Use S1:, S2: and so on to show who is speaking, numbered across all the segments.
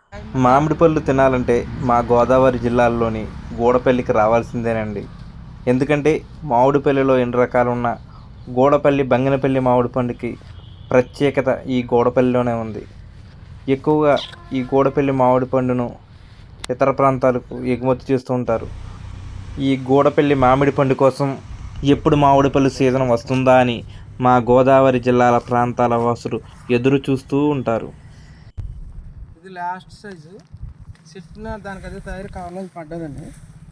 S1: మామిడి పళ్ళు తినాలంటే మా గోదావరి జిల్లాల్లోని గూడపల్లికి రావాల్సిందేనండి. ఎందుకంటే మామిడిపల్లిలో ఎన్ని రకాలున్న గూడపల్లి బంగినపల్లి మామిడి పండుకి ప్రత్యేకత ఈ గూడపల్లిలోనే ఉంది. ఎక్కువగా ఈ గూడపల్లి మామిడి పండును ఇతర ప్రాంతాలకు ఎగుమతి చేస్తూ ఉంటారు. ఈ గూడపల్లి మామిడి పండు కోసం ఎప్పుడు మామిడి పళ్ళు సీజన్ వస్తుందా అని మా గోదావరి జిల్లాల ప్రాంతాల వాసులు ఎదురు చూస్తూ ఉంటారు.
S2: ఇది లాస్ట్ సైజు చెట్టిన దానికి అదే తయారు కావాలని పడ్డదండి.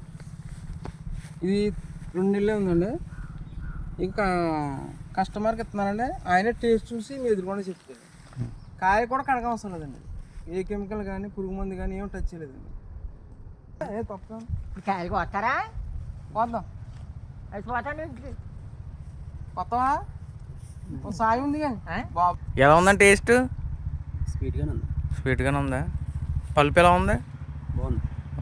S2: ఇది 2 నెలలే ఉందండి. ఇంకా కస్టమర్కి ఇస్తున్నానండి. ఆయనే టేస్ట్ చూసి మీ ఎదురుకుండా చెప్తాడు. కాయ కూడా కడగ అవసరం లేదండి. ఏ కెమికల్ కానీ పురుగు మందు కానీ ఏం టచ్ చేయలేదండి. ఏ తప్ప
S3: కాయలు కొత్తారా
S2: పోద్దాం
S3: అది పోతాను
S2: కొత్తవా సాయి ఉంది కానీ బాబు
S4: ఎలా ఉందండి టేస్ట్?
S2: స్వీట్గానే ఉంది.
S4: స్వీట్గానే ఉందా? పల్పు ఎలా ఉంది?
S2: బాగుంది.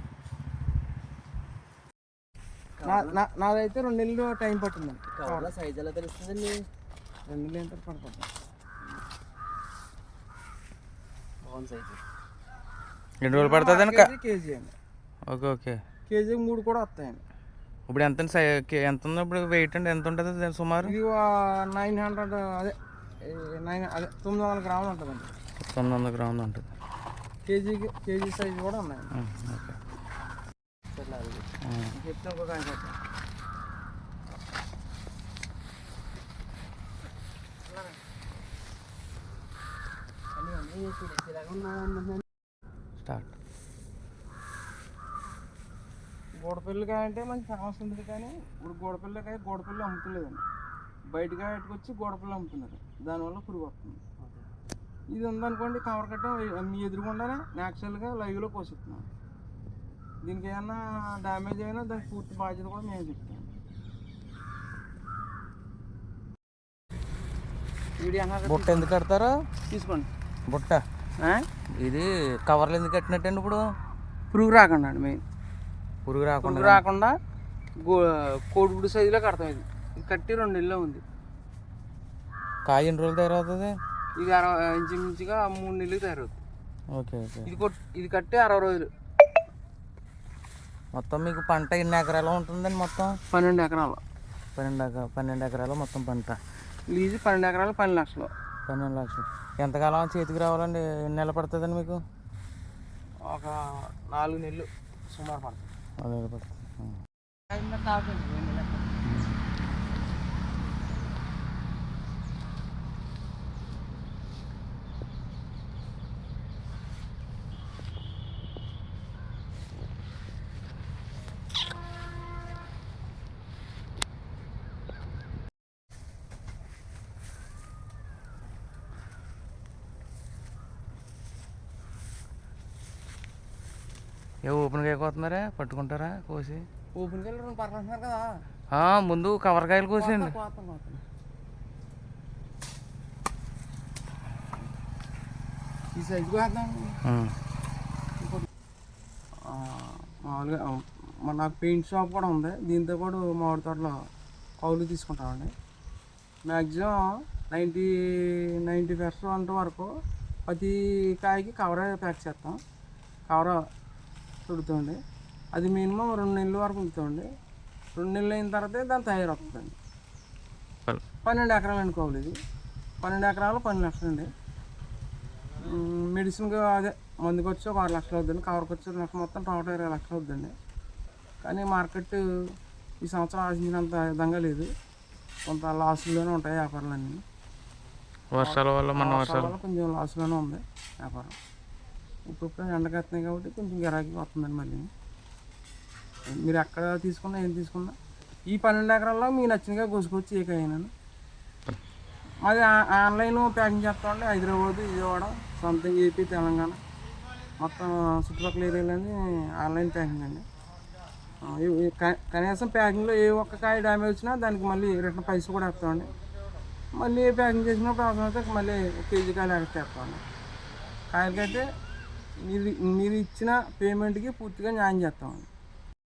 S2: నాదైతే 2 నెలలు టైం పట్టిందండి. సైజ్ ఎలా తెలుస్తుందండి? 2 నెలలు ఎంత పడుతుంది. బాగుంది సైజు.
S4: 2 రోజులు పడుతుంది
S2: కేజీ అండి.
S4: Okay okay.
S2: కేజీకి 3 కూడా వస్తాయండి.
S4: ఇప్పుడు ఎంత ఎంత ఉంది ఇప్పుడు వెయిట్ అండి? ఎంత ఉంటుంది సుమారు?
S2: ఇది 900 అదే 900 గ్రాములు ఉంటుందండి.
S4: 900 గ్రాములు ఉంటుంది.
S2: కేజీ సైజు కూడా ఉన్నాయండి.
S4: ఓకే.
S2: చెప్తే ఇంకొక
S4: స్టార్ట్.
S2: గోడపల్లికాయ అంటే మంచి ఫేమస్ ఉంటుంది, కానీ ఇప్పుడు గోడపల్లి అమ్ముతలేదండి. బయటగా ఎట్టుకొచ్చి గోడపల్లి అమ్ముతున్నారు. దానివల్ల పురుగు వస్తుంది. ఇది ఉందనుకోండి కవర్ కట్ట మీ ఎదురుగుండానే న్యాచురల్గా లైవ్లో పోషిస్తున్నాం. దీనికి ఏమన్నా డ్యామేజ్ అయినా దానికి పూర్తి బాధ్యత కూడా మేము చెప్తాం.
S4: బుట్ట ఎందుకు కడతారు?
S2: తీసుకోండి
S4: బుట్ట. ఇది కవర్లు ఎందుకు కట్టినట్టండి? ఇప్పుడు
S2: పురుగు రాకుండా అండి. మెయిన్
S4: పురుగు
S2: రాకుండా కోడిగుడు సైజులో కడతాం. ఇది కట్టి 2 నెలల్లో ఉంది.
S4: కాయ ఎన్ని రోజులు తయారవుతుంది?
S2: ఇది ఇంచుమించుగా 3 నెలలు తయారవుతుంది.
S4: Okay okay.
S2: ఇది కట్టి 60 రోజులు.
S4: మొత్తం మీకు పంట ఎన్ని ఎకరాలు ఉంటుందండి? మొత్తం
S2: 12 ఎకరాలు.
S4: 12 ఎకరాలు మొత్తం పంట.
S2: లీజు 12 ఎకరాలు 12 లక్షలు.
S4: 12 లక్షలు. ఎంతకాలం చేతికి రావాలండి? ఎన్ని నెలలు పడుతుందండి మీకు?
S2: ఒక 4 నెలలు సుమారు పడుతుంది.
S4: 4 నెలలు పడుతుంది. ఓపెన్గా కోతున్నారా? పట్టుకుంటారా కోసి?
S2: ఓపెన్గా 2 పర్లంటున్నారు కదా.
S4: ముందు కవర్కాయలు కోసేయండి.
S2: ఈ సైజు కోద్దాం. మామూలుగా నాకు పెయింట్ షాప్ కూడా ఉంది. దీంతో పాటు మామిడి తోటలో కౌలు తీసుకుంటామండి. మ్యాక్సిమం 90% వరకు ప్రతి కాయకి కవరే ప్యాక్ చేస్తాం. కవర్ చుడుతుంది. అది మినిమం 2 నెలల వరకు ఉంచుతామండి. 2 నెలలు అయిన తర్వాతే దాన్ని తయారవుతుందండి. 12 ఎకరాలు అనుకోవాలి. ఇది 12 ఎకరాలు 12 లక్షలు అండి. మెడిసిన్గా అదే మందుకు వచ్చి ఒక 6 లక్షలు అవుతుందండి. కవర్కి వచ్చి 1 లక్ష, మొత్తం టోటల్ 20 లక్షలు అవుతుందండి. కానీ మార్కెట్ ఈ సంవత్సరం ఆశించినంత విధంగా లేదు. కొంత లాస్లోనే ఉంటాయి వ్యాపారాలన్నీ.
S4: వర్షాల వల్ల
S2: కొంచెం లాస్లోనే ఉంది వ్యాపారం. ఇప్పుడు ఎండకెత్తున్నాయి కాబట్టి కొంచెం గిరాకీ వస్తుందండి. మళ్ళీ మీరు ఎక్కడ తీసుకున్నా ఏం తీసుకున్నా ఈ 12 ఎకరాల్లో మీకు నచ్చినగా కోసుకొచ్చి ఏ కాయనా. మాది ఆన్లైన్ ప్యాకింగ్ చేస్తామండి. హైదరాబాద్, విజయవాడ, సొంతంగా ఏపీ, తెలంగాణ మొత్తం చుట్టుపక్కల ఏరియాలన్నీ ఆన్లైన్ ప్యాకింగ్ అండి. కనీసం ప్యాకింగ్లో ఏ ఒక్క కాయ డ్యామేజ్ వచ్చినా దానికి మళ్ళీ రిటర్న్ పైసలు కూడా వేస్తామండి. మళ్ళీ ప్యాకింగ్ చేసినప్పుడు అవసరం అయితే మళ్ళీ 1 కేజీ కాయలు వేస్తామండి. కాయలకైతే మీరు ఇచ్చిన పేమెంట్కి పూర్తిగా న్యాయం చేస్తామండి.